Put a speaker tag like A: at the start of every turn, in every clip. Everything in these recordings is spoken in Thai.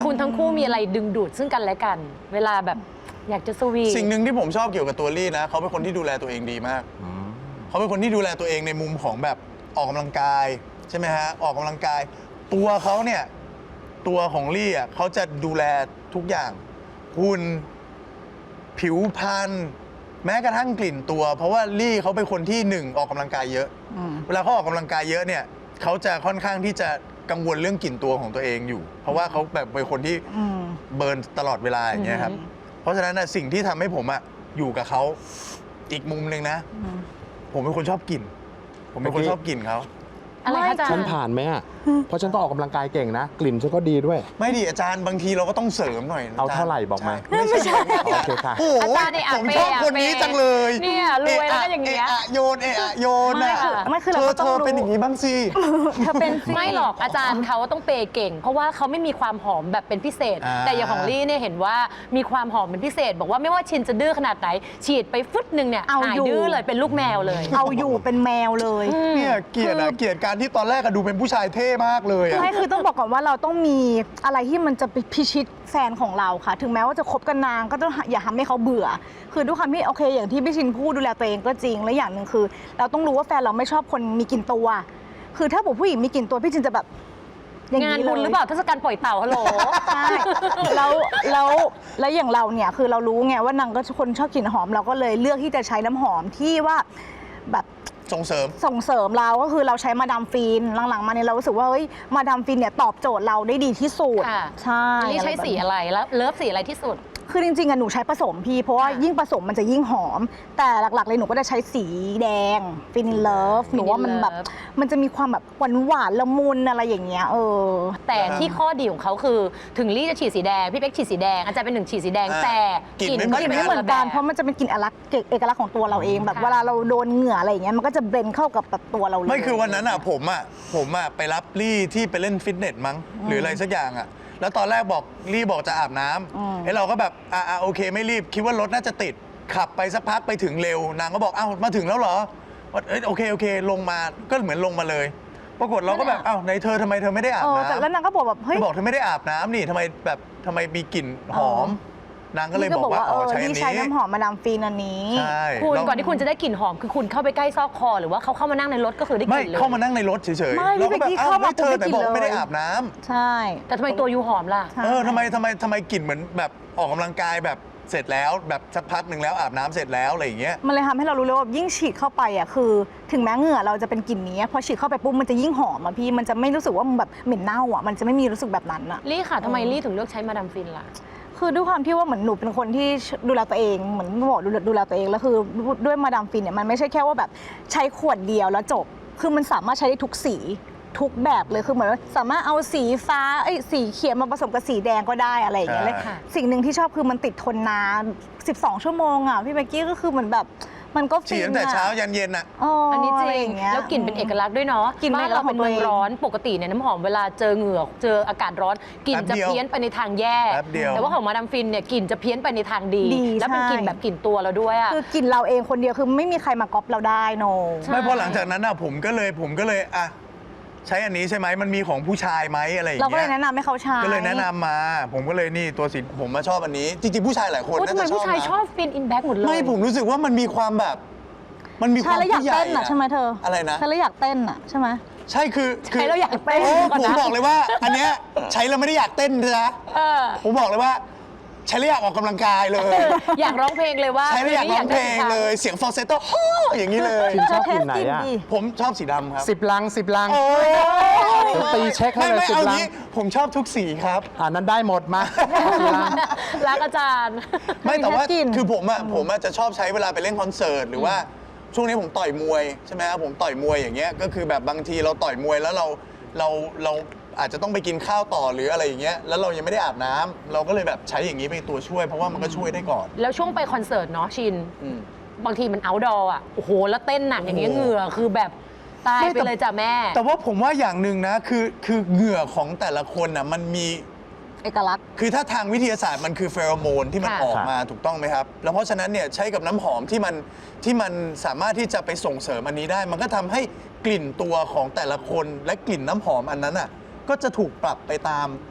A: คุณทั้งคู่มีอะไรดึงดูดซึ่งกันและกัน เวลาแบบอยากจะสวีท
B: สิ่งหนึ่งที่ผมชอบเกี่ยวกับตัวลี่นะเขาเป็นคนที่ดูแลตัวเองดีมากเขาเป็นคนที่ดูแลตัวเองในมุมของแบบออกกำลังกายใช่ไหมฮะออกกำลังกายตัวเขาเนี่ยตัวของลี่อ่ะเขาจะดูแลทุกอย่างหุ่นผิวพรรณแม้กระทั่งกลิ่นตัวเพราะว่าลี่เขาเป็นคนที่หนึ่งออกกำลังกายเยอะเวลาเขาออกกำลังกายเยอะเนี่ยเขาจะค่อนข้างที่จะกังวลเรื่องกลิ่นตัวของตัวเองอยู่เพราะว่าเขาแบบเป็นคนที่เบิร์นตลอดเวลาอย่างเงี้ยครับเพราะฉะนั้นสิ่งที่ทำให้ผมอะอยู่กับเขาอีกมุมหนึ่งนะผมเป็นคนชอบกลิ่นผมเป็นคนชอบกลิ่นเขา
A: อะไรคะอาจารย์
C: ฉันผ่านไหมอ่ะเพราะฉันก็ออกกำลังกายเก่งนะกลิ่นฉันก็ดีด้วย
B: ไม่ดีอาจารย์บางทีเราก็ต้องเสริมหน่อย
C: เอาเท่าไหร่บอกมา
B: ไม่ใช่
C: โอเคค่ะ
B: โอ้โหผมชอบคนนี้จังเลย
A: เนี่ยรวยแล้วก็อย่างเงี้ย
B: โยนโยนน่ะ
D: ไม่คือเราก็ต้องรู้
B: เธอเป็นอย่างนี้บ้างสิ
D: เธอเป็น
A: ไม่หรอกอาจารย์เขาต้องเปย์เก่งเพราะว่าเขาไม่มีความหอมแบบเป็นพิเศษแต่อย่างของลี่เนี่ยเห็นว่ามีความหอมเป็นพิเศษบอกว่าไม่ว่าชินจะดื้อขนาดไหนฉีดไปฟึดนึงเนี่ยหายดื้อเลยเป็นลูกแมวเลย
D: เอาอยู่เป็นแมวเลย
B: เนี่ยเกลียดการที่ตอนแรกดูเป็นผู้ชายเท่มากเลย
D: ไม่คือต้องบอกก่อนว่าเราต้องมีอะไรที่มันจะไปพิชิตแฟนของเราค่ะถึงแม้ว่าจะคบกันนานก็ต้องอย่าทำให้เขาเบื่อคือด้วยความที่โอเคอย่างที่พี่ชินพูดดูแลตัวเองก็จริงและอย่างหนึ่งคือเราต้องรู้ว่าแฟนเราไม่ชอบคนมีกลิ่นตัวคือถ้าผู้หญิงมีกลิ่นตัวพี่ชินจะแบบ
A: งานบุญหรือเปล่าเทศกาลปล่อยเต่าฮัลโหล
D: ใช่แล้วอย่างเราเนี่ยคือเรารู้ไงว่านางก็คนชอบกลิ่นหอมเราก็เลยเลือกที่จะใช้น้ำหอมที่ว่าแบบ
B: ส่งเสริม
D: เราก็คือเราใช้มาดามฟินหลังๆมาเนี่ยเรารู้สึกว่าเฮ้ยมาดามฟินเนี่ยตอบโจทย์เราได้ดีที่สุดใช่
A: นี่ใช้สีอะไรแล้วเลิฟสีอะไรที่สุด
D: คือจริงๆหนูใช้ผสมพี่เพราะว่ายิ่งผสมมันจะยิ่งหอมแต่หลักๆเลยหนูก็จะใช้สีแดงฟินเลิฟหนูว่ามันแบบมันจะมีความแบบหวานละมุนอะไรอย่างเงี้ย
A: แต่ที่ข้อดีของเขาคือถึงลี่จะฉีดสีแดงพี่เป๊กฉีดสีแดงอาจารย์เป็นหนึ่งฉีดสีแดงแต่
D: กลิ่นก็ไม่เหมือนกันเพราะมันจะเป็นกลิ่นเอกลักษณ์ของตัวเราเองแบบเวลาเราโดนเหงื่ออะไรอย่างเงี้ยมันก็จะเบลนเข้ากับตัวเราเลย
B: ไม่คือวันนั้นผมไปรับลี่ที่ไปเล่นฟิตเนสมั้งหรืออะไรสักอย่างแล้วตอนแรกลี่บอกจะอาบน้ำไอ้เราก็แบบโอเคไม่รีบคิดว่ารถน่าจะติดขับไปสักพักไปถึงเร็วนางก็บอกมาถึงแล้วเหรอโอเคลงมาก็เหมือนลงมาเลยปรากฏเราก็แบบในเธอทำไมเธอไม่ได้อาบน้ำ
D: แต่แล้วนางก็บอกแบบเฮ้ย
B: บอกเธอไม่ได้อาบน้ำนี่ทำไมมีกลิ่นหอมนางก็เลยบอกว่าใช้อันนี้
D: ใช้น้ำหอมมาดามฟินอันนี้
A: คุณก่อนที่คุณจะได้กลิ่นหอมคือคุณเข้าไปใกล้ซอกคอหรือว่าเขาเข้ามานั่งในรถก็คือได้กลิ่นเลย
B: ไม่เข้ามานั่งในรถเฉยๆ
D: เราก็แบบไม่
B: เธอแต่บอกไม่ได้อาบน้
D: ำใช่
A: แต่ทำไมตัวยูหอมล่ะ
B: ทำไมกลิ่นเหมือนแบบออกกำลังกายแบบเสร็จแล้วแบบสักพักหนึ่งแล้วอาบน้ำเสร็จแล้วอะไรอย่างเงี้ย
D: มันเลยทำให้เรารู้เลยว่ายิ่งฉีดเข้าไปคือถึงแม้เหงื่อเราจะเป็นกลิ่นนี้พอฉีดเข้าไปปุ๊บมันจะยิ่งหอมพี่มันจะไม่รู้สึกว่าแบบเหม็นเน่ามันจะไม่มีรู้สึกแบบนั้น
A: ลี่ค่ะทำไมลี่ถึงเลือกใช้มาดามฟินล่ะ
D: คือด้วยความที่ว่าเหมือนหนูเป็นคนที่ดูแลตัวเองเหมือนบอกดูแลตัวเองแล้วคือด้วยมาดามฟินเนี่ยมันไม่ใช่แค่ว่าแบบใช้ขวดเดียวแล้วจบคือมันสามารถใช้ได้ทุกสีทุกแบบเลยคือเหมือนสามารถเอาสีฟ้าสีเขียวมาผสมกับสีแดงก็ได้อะไรอย่างเงี้ยเลยสิ่งหนึ่งที่ชอบคือมันติดทนนาน12 ชั่วโมงพี่เบกกี้ก็คือเหมือนแบบมันก็
B: ฉีดตั้งแต่เช้ายันเย็น
A: อันนี้จริงแล้วกลิ่นเป็นเอกลักษณ์ด้วยเนาะบ้านเราเป็นเมืองร้อนปกติเนี่ยน้ำหอมเวลาเจอเหงื่อเจออากาศร้อนกลิ่นจะเพี้ยนไปในทางแย่แต่ว่าของมาดามฟินเนี่ยกลิ่นจะเพี้ยนไปในทางดีแล้วเป็นกลิ่นแบบกลิ่นตัวเราด้วย
D: คือกลิ่นเราเองคนเดียวคือไม่มีใครมาก๊อปเราได้โน
B: ไม่พอหลังจากนั้นผมก็เลยใช้อันนี้ใช่ไหมมันมีของผู้ชายไหมอะไรอย่างเงี้ย
D: เราก็เลยแนะนำให้เขาใช้
B: ก็เลยแนะนำมาผมก็เลยนี่ตัวสีผมมาชอบอันนี้จริงๆผู้ชายหลายคน
A: น่าจะชอบทำไมผู้ชายชอบฟินอินแบ็กหมดเลย
B: ไม่ผมรู้สึกว่ามันมีความแบบมันมีความ
D: ใช่แล้วอยากเต้นใช่ไหมเธอ
B: อะไรนะ
D: ใช่แล้วอยากเต้นใช่ไหม
B: ใช่คือ
A: ใช้แล้วอยากเต้น
B: ผมบอกเลยว่าอันเนี้ยใช้แล้วไม่ได้อยากเต้นนะผมบอกเลยว่าใช้แล้วอยากออกกำลังกายเลย
A: อยากร้องเพลงเลยว่า
B: ใช้แล้วอยากร้องเพลงเลยเสียงฟอลเซตโต้อย่างนี้เลย
C: ชอบกลิ่นไหน
B: ผมชอบสีดำครับ
C: 10 ลังตีเช็คให้เลย10 ลัง
B: ผมชอบทุกสีครับ
C: นั้นได้หมดมา
A: รักอาจารย์
B: ไม่แต่ว่าคือผมจะชอบใช้เวลาไปเล่นคอนเสิร์ตหรือว่าช่วงนี้ผมต่อยมวยใช่ไหมครับผมต่อยมวยอย่างเงี้ยก็คือแบบบางทีเราต่อยมวยแล้วเราอาจจะต้องไปกินข้าวต่อหรืออะไรอย่างเงี้ยแล้วเรายังไม่ได้อาบน้ำเราก็เลยแบบใช้อย่างนี้เป็นตัวช่วยเพราะว่ามันก็ช่วยได้ก่อน
A: แล้วช่วงไปคอนเสิร์ตเนาะชินบางทีมันเอาท์ดอร์โอ้โหแล้วเต้นหนักอย่างเงี้ยเหงื่อคือแบบตายไปเลยจ้ะแม่
B: แต่ว่าผมว่าอย่างหนึ่งนะคือเหงื่อของแต่ละคนมันมี
D: เอกลักษณ์
B: คือถ้าทางวิทยาศาสตร์มันคือเฟโรโมนที่มันออกมาถูกต้องไหมครับแล้วเพราะฉะนั้นเนี่ยใช้กับน้ำหอมที่มันสามารถที่จะไปส่งเสริมอันนี้ได้มันก็ทำให้กลิ่นตัวของแต่ละคนและกลิ่นน้ำหอมอันนั้นก็จะถูกปรับไปตาม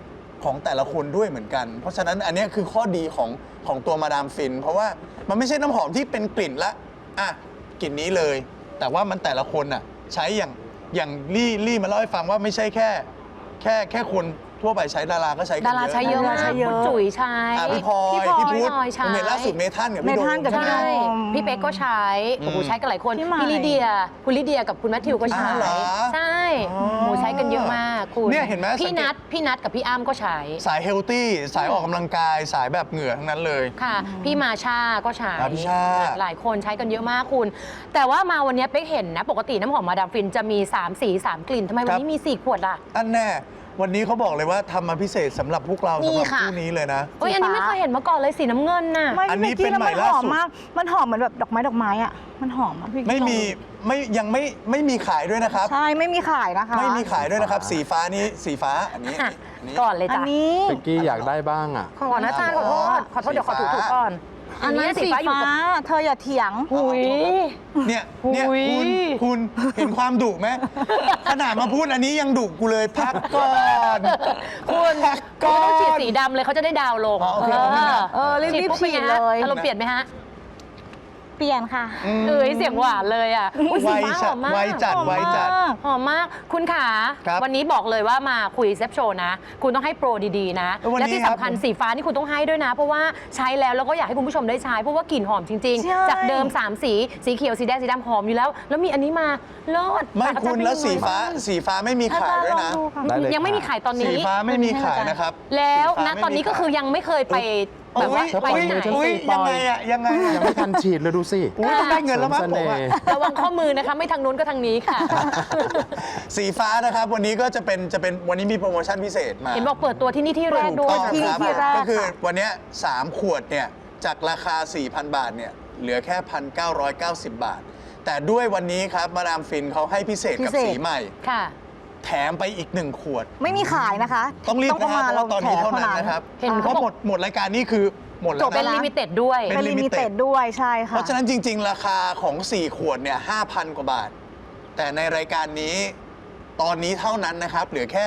B: ของแต่ละคนด้วยเหมือนกัน เพราะฉะนั้นอันเนี้ยคือข้อดีของตัวมาดามฟิน เพราะว่ามันไม่ใช่น้ำหอมที่เป็นกลิ่นละอ่ะกลิ่นนี้เลย แต่ว่ามันแต่ละคนอ่ะใช้อย่างลี่มาเล่าให้ฟังว่าไม่ใช่แค่คนทั่วไปใช้ดาราก็ใช้กัน
A: ดาราใช้เยอะมาก
D: ใช้เยอะ
A: คุณจุ๋ยใช้
B: พี่พลอย
A: พี่
B: พี่พุทธ
A: พลอยใช้
B: ผมเห็นล่าสุดเมทันกับ
D: เม
B: พี่โด
D: ทัน
B: ม
D: กับพี่
A: ใช่
D: โดม
A: พี่เป๊กก็ใช้โอ้โหใช้กันหลายคน
D: พี่ใหม่
A: พี่ลิเดียคุณลิเดียกับคุณแมทธิวก็ใช้
B: อ้าวเหรอ
A: ใช่
B: อ๋อ
A: โอ้โหใช้กันเยอะมากคุณ
B: เนี่ยเห็นไหม
A: พี่
B: สังเกต
A: นัทกับพี่อ้ำก็ใช้
B: สายเฮลตี้สายออกกำลังกายสายแบบเหงื่อทั้งนั้นเลย
A: ค่ะ พี่มาชาก็ใช้
B: พี่ชา
A: หลายคนใช้กันเยอะมากคุณ แต่ว่ามาวันนี้เป๊กเห็นนะปกติน้ำหอมมาดามฟินจะมี3สี3กลิ่นทำไมวันนี้มี4ขวดล่ะ
B: อันแน่วันนี้เขาบอกเลยว่าทำมาพิเศษสำหรับพวกเรา
D: นี่
B: สำหรับ
D: ค่ะ
B: คู่นี้เลยนะ
A: เอ้ยอันนี้ไม่เคยเห็นมาก่อนเลยสีน้ำเงินน่ะ
D: ไม่
B: อันนี้
D: พี่
B: เป็น
D: แล้ว
B: ใหม่
D: มันห
B: ล่า
D: อม
B: สุด
D: มาก มันหอมเหมือนแบบดอกไม้อ่ะ มันหอมอ่ะพี่
B: ไม่มียังไม่มีขายด้วยนะครับ
D: ใช่ไม่มีขายนะคะ
B: ไม่มีขายด้วยนะครับ สีฟ้านี้สีฟ้าอันนี้
A: อ่ะ
B: อันนี้
A: ก่อนเลย
D: อัน
A: จ้ะ
D: นี้
C: เป็กกี้อยากได้บ้างอ่ะ
A: ขอนะจ๊ะขอโทษเดี๋ยวขอถูก่อน
D: อันนั้นสี
A: อยู่
D: ฟ้า
A: กับ
D: เธออย่าเถียง
A: หุย
B: เนี่ย
A: อุ๊ย
B: คุณเห็นความดุไหมขนาดมาพูดอันนี้ยังดุกูเลยพักก่อน
A: คุณ
B: พัก
A: ก็
B: ก่อ
A: ต้องฉีด
B: น
A: สีดำเลยเขาจะได้ดาวลง
B: อ๋อโอเคโอเค
D: รีบๆ
A: ปุ๊
D: ฉีด
A: ป็นไงฮะ
D: เลย
A: อารมณ์เปลี่ยนไหมฮะ
D: เปลี่ยนค่ะ
A: เอ้ยเสียงหวานเลยอ่ะอุ๊ย
B: ไว
A: สีฟ้าห
B: จั
A: อ
B: ด
A: มมาก
B: ไวจัด
D: หอม
B: ไวจัด
D: มาก
A: หอมมากคุณขา
B: ครับ
A: วันนี้บอกเลยว่ามาคุยเซฟโชว์นะ คุณต้องให้โปรดีๆนะ
B: วันนี้
A: และที่สำคัญ
B: ครับ
A: สีฟ้านี่คุณต้องให้ด้วยนะ เพราะว่าใช้แล้วก็อยากให้คุณผู้ชมได้ใช้ เพราะว่ากลิ่นหอมจริง
D: ใช่
A: ๆ จากเดิม 3 สีเขียวสีแดงสีดำหอมอยู่แล้ว แล้วมีอันนี้มาเลิศ
B: ไม่
A: ฝากอาจาร
B: คุณ
A: ย์
B: แล้ว
A: เป็นยังไง
B: สีฟ้าไม่มีขายด้วยนะ
D: ลองดูค่ะ
C: ได้เลย
A: ยังไม่มีขายตอน
B: สี
A: นี้
B: ฟ้าไม่มีขายนะครับ
A: แล้ว
B: สีฟ้า
A: นะ
B: ไม่
A: ตอนนี้ก็คือยังไม่เคยไปแบบว่า
C: ถ้า
A: ไป
C: ปล่อย
A: ไหน
C: มือฉัน
B: อุ้ย
C: ปล่
B: ยัง
C: อย
B: ไงอะยังไงอะ
C: ยังไม่ทันฉีดเลยดูสิ
B: อุ้ยต้องได้เงินแล้วมั้ง
C: เสริ
B: ผม
C: เส
B: อะ
C: น่ห์
A: ระวังข้อมือนะคะไม่ทางนู้นก็ทางนี้ค่ะ
B: สีฟ้านะครับวันนี้ก็จะเป็นวันนี้มีโปรโมชั่นพิเศษมา
A: เห็นบอกเปิดตัวที่นี่ที่แรกด้วย
B: ถูกต้อง
D: ที่
B: ครับ
D: แรก
B: ก็คือ
D: ค่ะ
B: วันเนี้ย3ขวดเนี่ยจากราคา 4,000 บาทเนี่ยเหลือแค่ 1,990 บาท แต่ด้วยวันนี้ครับมาดามฟินเขาให้พิเศษกับ
D: พิเศษ
B: สีใหม่
A: ค่ะ
B: แถมไปอีก 1 ขวด
D: ไม่มีขายนะคะ
B: ต้องรีบนะค
D: มา
B: รับเพราะว่าตอนนี้เท่านั้นนะครับ
A: เห็น
B: เพ
A: เขา
B: ราะ
A: บอก
B: หมดรายการนี้คือหมดแล้ว
A: เป็น
B: นะ
A: ลิมิเต็ดด้วย
B: เป็
D: เป็น นลิมิเต็ดด้วยใช่ค่ะ
B: เพราะฉะนั้นจริง ๆ ราคาของ 4 ขวดเนี่ย 5,000 กว่าบาท แต่ในรายการนี้ตอนนี้เท่านั้นนะครับ เหลือแค่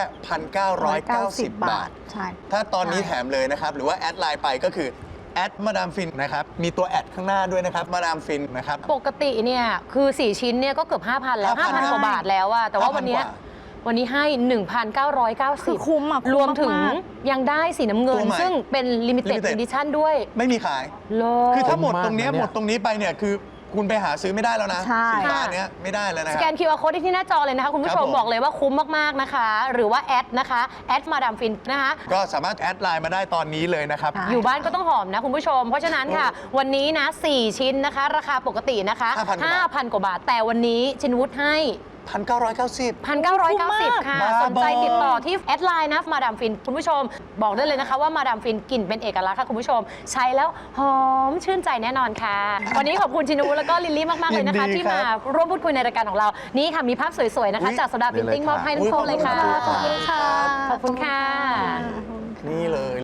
B: 1,990 บาท
D: ใช่
B: ถ้าตอนนี้
D: ใช่
B: แถมเลยนะครับ หรือว่าแอดไลน์ไปก็คือแอดมาดามฟินนะครับ มีตัวแอดข้างหน้าด้วยนะครับมาดามฟินนะครับ
A: ปกติเนี่ยคือ 4 ชิ้นเนี่ยก็เกือบ 5,000 แล้ว 5,000 กว่าบาทแล้วอะแต่ว่าวันเนี้ย
B: 5,000 กว่า
A: วันนี้ให้ 1,990
D: คือคุ้มอะคุ้ม
A: รวมถึง
D: มาก
A: ยังได้สีน้ำเงิ
B: ตั
A: น
B: วใหม่
A: ซึ่งเป็น limited
B: Limited
A: edition ด้วย
B: ไม่มีขาย
A: โล
B: คือถ้าหมด
C: คุ้มมาก
B: ตรงเนี้ย
C: นะเนี่ย
B: หมดตรงนี้ไปเนี่ยคือคุณไปหาซื้อไม่ได้แล้วนะ
D: ใช่
B: สินค้าเนี้ยไม่ได้แล้วนะ
A: ส
B: ค
A: แก
B: รับ
A: น QR code ที่หน้าจอเลยนะคะคุณผู้ช
B: ครั
A: ม
B: บผม
A: บอกเลยว่าคุ้มมาก ๆ นะคะ หรือว่าแอดนะคะแอดมาดามฟินนะคะ
B: ก็สามารถแอดไลน์มาได้ตอนนี้เลยนะครับ
D: ค่ะ
A: อยู่บ้านก็ต้องหอมนะคุณผู้ชม เพราะฉะนั้นค่ะ วันนี้นะ 4 ชิ้นนะคะ ราคาปกตินะคะ
B: 5,000
A: 5,000 กว่าบาท แต่วันนี้ชินวุฒิให้
B: 1,990
A: 1,990 ค่ะ
B: บ้า
A: สนใจ
B: บอ
A: ติดต่อที่แอดไลน์นะมาดามฟินคุณผู้ชม บอกได้เลยนะคะว่ามาดามฟินกลิ่นเป็นเอกลักษณ์ค่ะคุณผู้ชม ใช้แล้วหอมชื่นใจแน่นอนค่ะ วันนี้ขอบคุณชินวุฒิแล้วก็ลิลลี่มาก ๆ เลยนะคะ
B: ยินดี
A: ที่
B: ครั
A: มา
B: บ
A: ร่วมพูดคุยในรายการของเรา นี่ค่ะมีภาพสวย ๆ นะคะ
B: อุ๊ย
A: จากโซดาพิมพ์ติ้งมอบให้ทั้งคู่เลยค่ะ
B: ขอบคุณค่ะ
A: ขอบคุณค่ะ
B: นี่เลย